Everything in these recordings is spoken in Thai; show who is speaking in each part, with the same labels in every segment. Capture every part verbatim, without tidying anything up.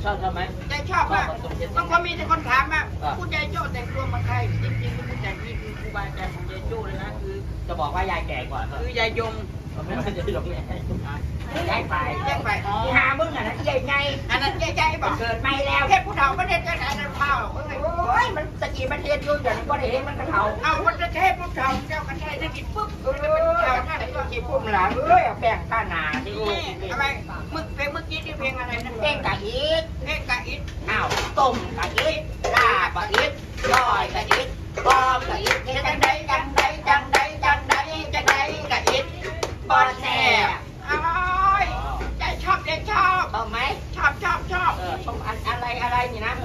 Speaker 1: ชอบชอบไหม
Speaker 2: ยายชอบมากบางคนมีแต่คนถามว่าคุณยายโจ้แต่งตัวมาใครจริงๆคุณแต่งนี่คือครูบาอาจารย์ของยายโจ้เลยนะคือ
Speaker 1: จะบอกว่ายายแก่กว่า
Speaker 2: คือยายยง
Speaker 1: ไม่ใช่ยายยงเนี่ยยายไป
Speaker 2: ยายไป
Speaker 1: หามึงอ่ะนะยายไง
Speaker 2: อันนั้นยายใจบอก
Speaker 1: เกิดไม่แล้ว
Speaker 2: แค่ผู้เฒ่าประเทศจะไหนนั่นเผาโ
Speaker 1: อ้ยมันตะกี้ประเทศยุ่งอย่างนี้ก็ได้เห็นมันกระเทา
Speaker 2: เอาวันจะแค่ผู้เฒ่าเจ้ากันได้ได้กินปุ๊บเออเฒ่าท่านก็
Speaker 1: กินพุ่มหลังเอ้ยเอาแป้งข้านาที่
Speaker 2: อะไรเมื่อเพลงเมื่อกี้ที่เพลงอะไรนะ
Speaker 1: เพลงกะอีท
Speaker 2: เพลงกะอิด
Speaker 1: อ้าวต้มกะอีทลาบกะอีทย่อยกะอีทบอมกะอีทจังใดจังใดจังใดจังใดจังใดกะอีทบอแซ่บ
Speaker 2: อร่อยใจชอบใจชอบ
Speaker 1: ชอบไหม
Speaker 2: ชอบชอบชอบ
Speaker 1: เออชอบอะไรอะไรนี่นะ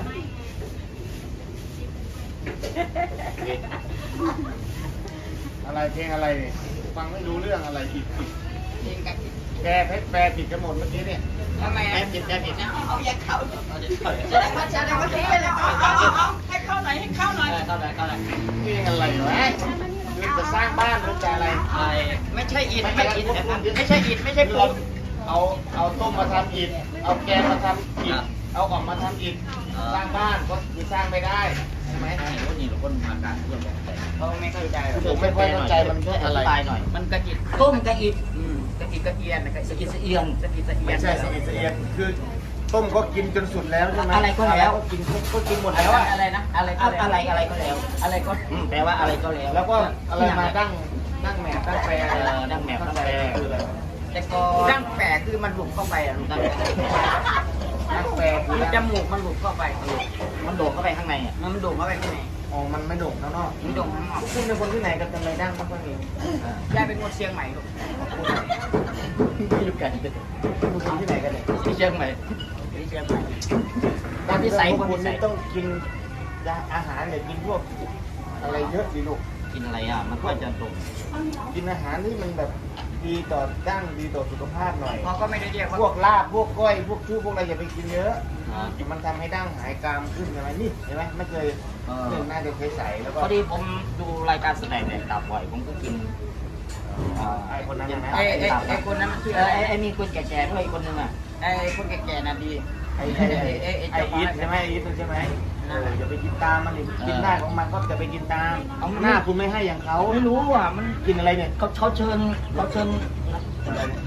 Speaker 3: อะไรเพลงอะไรเนี่ยฟังไม่รู้เรื่องอะไรผิดผิด
Speaker 2: เพลงกะอิด
Speaker 3: แปลเพชรแปลผิดกันหมดเมื่อกี้เนี่ย
Speaker 2: ทำไม
Speaker 1: แปลผิดแปลผิด
Speaker 2: เอาอย่าเข้า
Speaker 1: เอาจะเข้าเลย
Speaker 2: แสดงว่าแสดงว่าทิ้งไปแล้วเอาเอาเอาให้เข้าหน่อยให้เข้าหน่อย
Speaker 1: เข้าเลยเข้าเลย
Speaker 3: เพลงอะไรวะคือจะสร้างบ้านหรือจะอะไร
Speaker 1: ไอ้
Speaker 2: ไม่ใช่อิดไม่ใช่อิดไม่ใช่อิดไม่ใช่ปูน
Speaker 3: เอาเอาต้มมาทำอิฐเอาแกงมาทำอิฐเอาออกมาทำอิฐสร้างบ้านก็คือสร้างไม่ได้ใช่ไหม
Speaker 1: ไอ้คนนี้หรือคนมาการเพื่อนบอกแต่
Speaker 2: เขาไม่เข้าใจหรอก
Speaker 3: ผมไม่ค่อยเข้าใจมันคืออะไร
Speaker 1: ตายหน่อย
Speaker 2: มันกะอิด
Speaker 1: ต้มกะอิด
Speaker 2: อืมกะอิดกะเอียนกะ
Speaker 1: สะ
Speaker 2: อิ
Speaker 1: อิ
Speaker 2: ด
Speaker 1: ดสะเอียน
Speaker 2: สะอิดสะเอีย
Speaker 3: ไม่
Speaker 2: น
Speaker 3: ใช่เสียดเสียดคือต้มก็กินจนสุดแล้วใช่ไหม
Speaker 1: อะไรก็แล้ว
Speaker 3: ก็กินก็กินหมด
Speaker 2: อะไร
Speaker 3: แล้ว
Speaker 2: วะ
Speaker 3: อะ
Speaker 2: อะไรนะอะไรก็
Speaker 1: อะไรอะไรก็แล้ว
Speaker 2: อะไรก็
Speaker 1: แปลว่าอะไรก็แล้ว
Speaker 3: แล้วก็อะไรมาตั้งตั้งแหม่ตั้งแปร
Speaker 1: เออดั้งแหม่ตั้งแปร
Speaker 3: คืออะไร
Speaker 1: แต่ก็
Speaker 2: ดั้งแปะคือมันหลุดเข้าไปอ่ะลูก
Speaker 1: ดั้งแปร
Speaker 3: ตั้งแปรคือ
Speaker 2: คือจมูกมันหลุดเข้าไป
Speaker 1: มันโดดเข้าไปข้างในอ่ะ
Speaker 2: มันโด่งเข้าไปข้างใน
Speaker 3: อ๋อมันไม่โด่งข้างนอก
Speaker 2: มันโด่งข้างนอก
Speaker 3: คุณเป็นคนที่ไหนกันทำไมดั้งไม่ค่อยมี
Speaker 2: ยายเป็นคนเชียงใหม่ลูก
Speaker 1: ไม่รู้กัน
Speaker 3: เป็นคนที่ไหนกันเนี่ย
Speaker 1: ที่เชียงใหม่
Speaker 2: ที่เชียงใหม่
Speaker 1: ตอนที่ใส่
Speaker 3: พวก
Speaker 1: ค
Speaker 3: คุ
Speaker 1: น
Speaker 3: ณ
Speaker 1: ใส่
Speaker 3: นี่ต้องกินอาหารเนี่ยกินพวกอะไรเยอะดีลูก
Speaker 1: กินอะไรอ่ะมันก็จะตรง
Speaker 3: กินอาหารที่มันแบบดีต่อดั้งดีต่อสุขภาพหน่อย
Speaker 2: เขาก็ไม่ได้เรียก
Speaker 3: พว
Speaker 2: ว่าก
Speaker 3: ลาบพวกก้อยพวกชู้พวกอะไรอย่าไปกินเยอะ
Speaker 1: อ่า
Speaker 3: มันทำให้ดั้งหายกรามขึ้นใช่ไหมนี่เห็นไหมไม่เคย
Speaker 1: เออ
Speaker 3: หนึ่งน่าจะเคยใส่แล้วก็
Speaker 1: พอดีผมดูรายการแสดงแดกตับบ่อยผมก็กิน
Speaker 3: อ่าไอ้คนนั้นนะ
Speaker 2: ไอ้ไอ้ไอ้คนนั้นมันชื่อ
Speaker 1: เอ
Speaker 2: อะ
Speaker 1: อ
Speaker 2: ไร
Speaker 1: ไอ้ไอ้มีคนแก่ๆด้วยอีกคนนึงอ่ะ
Speaker 2: ไอ้คนแก่ๆน่ะดี
Speaker 3: ไอ้ไอ้ไอ้ไอ้อีทใช่ไหมไอ้อีทใช่ไหมเอออย่าไปกินตามมันดิกินได้ของมันก็จะไปกินตามหน้าคุณไม่ให้อย่างเขา
Speaker 1: ไม่รู้อ่ะมัน
Speaker 3: กินอะไรเนี่ย
Speaker 1: เขาเขาเชิญเขาเชิญ
Speaker 3: อะไรเนี่ย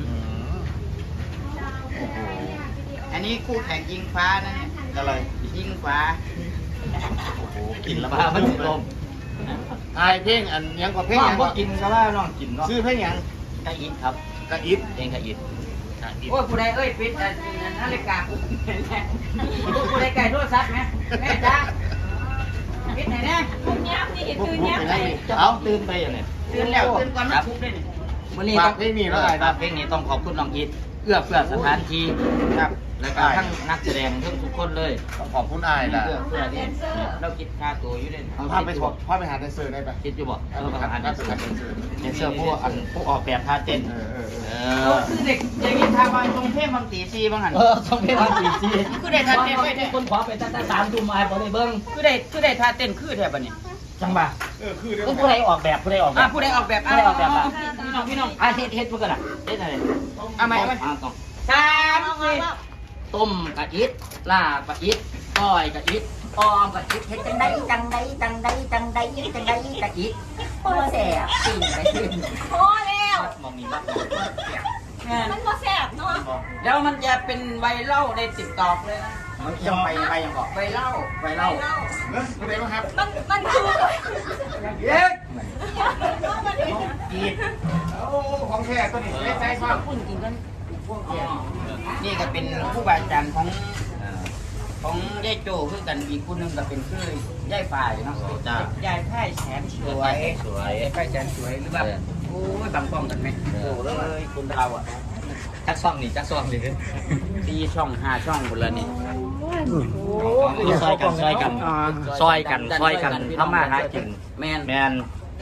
Speaker 2: อันนี้คู่แข่งยิงฟ้านั่นเนี่ย
Speaker 3: อะไร
Speaker 2: ยิงฟ้า
Speaker 3: โอ้โห
Speaker 1: กินแล้วบ้ามันลม
Speaker 3: ไอ้เพลงอันยังกว่าเพลง
Speaker 1: น้อ
Speaker 3: ยัง ง
Speaker 1: ก็
Speaker 3: ก็
Speaker 1: กินก็ว่าน้องกินเนาะ
Speaker 3: ซื้อเพลงยัง
Speaker 1: กะอิดครับ
Speaker 3: กะอิท
Speaker 1: เองกะอิด
Speaker 3: กะอิท
Speaker 2: โอ้ยผู้ใดเอ้ยปิดอ่ะนาฬิกาผู้ใดไก่โทรศัพท์ไหมแม่จ้าปิดไหนเนี่ย
Speaker 3: พวกพวกไปนั่งนี่
Speaker 1: เอาตื่นไปอย่างเนี้ย
Speaker 2: ตื่นแล้วตื่นก่อนมาทุบเลยนี่
Speaker 1: วันนี้
Speaker 3: ฝา
Speaker 1: ต้
Speaker 3: ก
Speaker 1: อง
Speaker 3: เพลงนี้แล้วไอ้
Speaker 1: ฝากเพลงนี้ต้องขอบคุณน้องอิดเอื้อเฟื้อสถานที่
Speaker 3: ครับ
Speaker 1: แล้วก็ทั้งนักแสดงทั้งทุกคนเลย
Speaker 3: ต้องขอบคุณไอ้ายล่ะ
Speaker 1: เอื้อเฟื้อที่เราคิดค่าตัวอยู่เลย
Speaker 3: เอาภาพไปสดภาพไปหาแดนเซอร์ได้ปะ
Speaker 1: คิดอยู่บอกเออประธาน
Speaker 3: ภาพไปหาแดนเซอร์
Speaker 1: เดนเซอร์ผู้อันผู้ออกแบบท่าเต้น
Speaker 3: เออเออเอ
Speaker 1: เอ
Speaker 3: อ
Speaker 2: โอ้
Speaker 1: อ
Speaker 2: คือเด็กอย่างนี้ทางวันตรงเทพบางตีซีบางหัน
Speaker 1: เออต้องเป็นวันสี่สี่
Speaker 2: คือได้ท่าเต้นไว้เนี่ย
Speaker 1: คนขอไปตั้งแต่สามทุ่มมาบ่ได้เบิ้ง
Speaker 2: คือได้คือได้ท่าเต้นคือแทบอันนี้
Speaker 1: จังบ่า
Speaker 3: เออคือเดี๋ยว
Speaker 1: ผู้ใดออกแบบผู้ใดออกแบ
Speaker 2: อ่ะ
Speaker 1: บ
Speaker 2: ผู้ใดออกแบบ
Speaker 1: ผู้ใดออกแบบอ่ะ
Speaker 2: พี่น้องพี่น้อง
Speaker 1: อ่ะเฮ็ดเฮ็ดเพื่อนกันอ่ะเฮ็ดอะไร
Speaker 2: เอาไหมเอาไหม
Speaker 1: อ่ะต้อง
Speaker 2: สามสี่
Speaker 1: ต้มกะอิดลาบกะอิดก้อยกะอิดออมกะอิดเฮ็ดจังไดจังไดจังไดจังไดจังไดกะอิดบ่แซ่บปิ้งไปขึ้น
Speaker 4: พอแล้ว
Speaker 1: มองนี่บัก
Speaker 4: มันก็แซ่บเนาะ
Speaker 2: แล้วมันจะเป็นไวรัลในติ๊กต็อกเลยนะ
Speaker 1: มันยังไปไปยังบอก
Speaker 2: ไวรัล
Speaker 1: ไปเล่า
Speaker 3: เนอะคุณเอ๋ครับ
Speaker 4: มันมันคือ
Speaker 2: เย้
Speaker 4: มันคือ
Speaker 1: อิด
Speaker 3: โอ้ของแท้ตัวนี้ไม่ใช่ครับ
Speaker 2: คุณกินกันพวกเดียวนี่ก็เป็นผู้บาอาจารย์ของของยายโจคือกันอีกคนหนึงก็เป็นคือยายฝ่ายเนาะ
Speaker 1: จ้าย
Speaker 2: ายไพ่แสนสวย
Speaker 1: สวย
Speaker 2: ยายไพ่แสนสวยหรือแบบโอ้ยบางป้องกันไหม
Speaker 1: โอ้เลยคุณเราอ่ะจักซ่องนี่จักซ่องนี่
Speaker 2: สี่ช่องห้าช่องหมดแล้วนี่
Speaker 1: ซอยกันซอยกันซอยกันซอยกันทำมาหากิน
Speaker 2: แมน
Speaker 1: แมน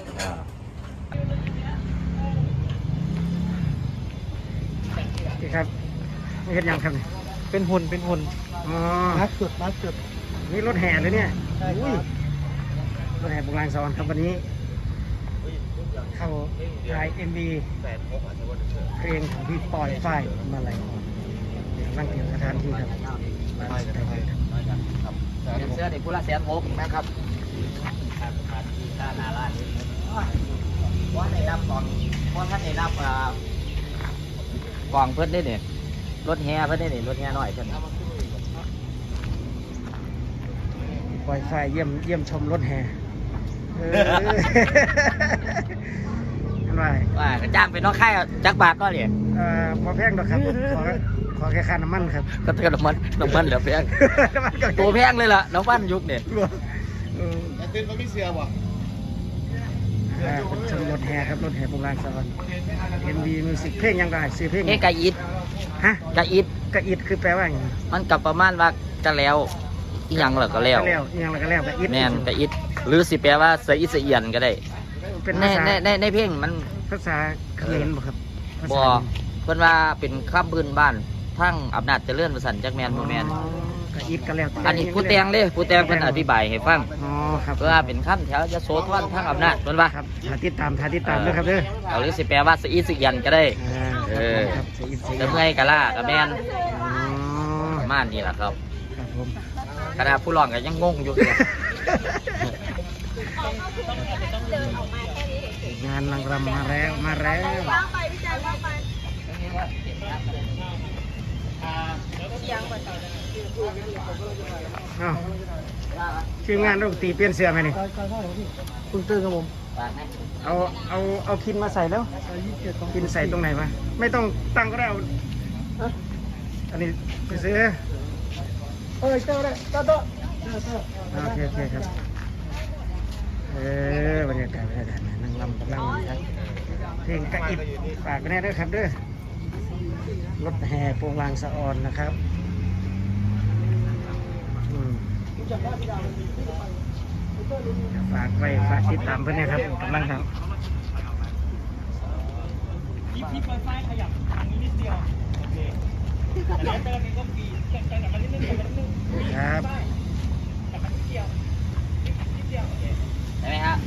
Speaker 5: ครับไม่เห็นยังครับเป็นหุ่นเป็นหุ่นอ๋อมาสุดมาสุดนี่รถแห่เลยเนี่ยอุ้ยรถแห่บุกลางสวรรค์ครับวันนี้ เข้าถ่ายเอ็มบีเพลงของพี่ปอยฝ้ายมาอะไรกำลังเตรียมสถานที่ครับ
Speaker 3: น้อยกันน้อยน้อยกันครับเสื้อเด็กผู้ละแสนหกนะครับค่าหนาล้านนี้ว่าในนับก่อนว่าท่านในนับอ่ากองเพิ่นได้เนี่ยรถแห่เพิ่นได้เนี่ยรถแห่น้อยเพิ่น
Speaker 5: ปล่อยไฟเยี่ยมเยี่ยมชมรถแห่เอออันว่า
Speaker 3: ว่าจ้างเป็นน้องค่ายจักบาทก็เนี่ย
Speaker 5: เอ่อพอแพงดอกครับ ขอขอแค่ค่าน้ำมันครับ
Speaker 3: ก็เตือนน้ำมันน้ำมันเหลือแพง
Speaker 5: น้ำมันก็
Speaker 3: ตัวแพงเลยล่ะน้ำมันยุคเนี่ย
Speaker 5: เออ
Speaker 3: แต่ตื่นเขาไม่เสียว่ะ
Speaker 5: อ่าเป็นชมรถแห่ครับรถแห่โบราณสวรรค์เอ็นดีมิวสิกเพลงยังได้ซื้อเพลง
Speaker 3: เฮ้กะอิด
Speaker 5: ฮะ
Speaker 3: กะอิด
Speaker 5: กระอิดคือแปลว่าอย่างไร
Speaker 3: มันกับประมาณว่าจะแล้วอีหยังเหรอก็แล้ว
Speaker 5: ก็แล้วอิหยังแล้วก็แล้วกระอิด
Speaker 3: แม่นกะอิดหรือสิแปลว่าเสียอิเสียเอียนก็ได้
Speaker 5: เป็น
Speaker 3: ใน
Speaker 5: ภาษา
Speaker 3: ในในในเพลงมัน
Speaker 5: ภาษาเขมรบ่ครับภา
Speaker 3: บ่
Speaker 5: ษา
Speaker 3: เพิ่นว่าเป็นคำพื้นบ้านทั้งอำนาจเจริญประสันจักแม่นบ่แม่น
Speaker 5: อ๋อกระอิดก็แล้ว
Speaker 3: อันนี้ผู้แต่งเด้ผู้แต่งเพิ่นอธิบายให้ฟัง
Speaker 5: อ๋อครับ
Speaker 3: เพื่อเป็นคำแถวยโสธรทั้งอำนาจเพิ่นว่า
Speaker 5: ครับถ้าติดตามถ้าติดตามด้วยครับเด้อ
Speaker 3: เอาหรือสิแปลว่าเสียอิเสียเอียนก็ได้
Speaker 5: อ่า
Speaker 3: เออ
Speaker 5: ครับเสียอิดเสีย
Speaker 3: จะเมื่อยกะล่าก็แม่น
Speaker 5: อ๋อ
Speaker 3: ประมาณนี้ล่ะครับ
Speaker 5: ครับผม
Speaker 3: ขณะผู้ร้องก็ยังงงอยู่เนี่ย
Speaker 5: งานนางรำมาแล้วมาแล้ว
Speaker 4: ว่างไปพี่แจ๊คว่างไปยังกว่าตอนนั้น
Speaker 5: เอ้าทีมงานดนตรีเปลี่ยนเสื้อไหมนี่คุณตื้อครับผมเอาเอาเอาคินมาใส่แล้วคินใส่ตรงไหนวะไม่ต้องตั้งก็ได้เอาอันนี้ไปซื้อเออเจ้าได้เจ้าโตโอเคโอเคครับเออบรรยากาศบรรยากาศนั่งรำกำลังครับเพลงกระอิบฝากไปแน่ด้วยครับเด้อรถแห่โปรงลางสะออนนะครับอืมฝากไปฝากติดตามเพื่อนนะครับกำลังครับครับ
Speaker 3: ได้ไหมฮะ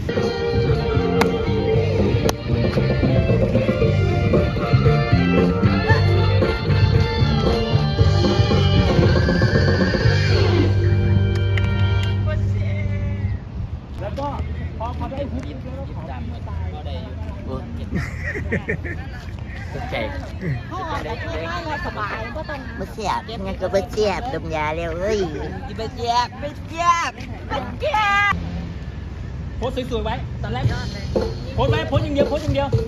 Speaker 5: แล้วก็พอพอได้พุทธ
Speaker 3: ยิ้มยิ้มดำก็ได้อยู่เออเจ็บตกใจ
Speaker 4: เขาออกแบบง่ายๆสบายก็ต้อง
Speaker 1: ไม่เสียบงั้นก็ไม่เสียบดมยาเร็วเอ้ย
Speaker 3: ไม่เจ็บไม่เจ็บ
Speaker 4: แก่
Speaker 6: โพสสวยๆไว้ ตอนแรกโพสไว้โพสอย่างเดียวโพสอย่างเดียว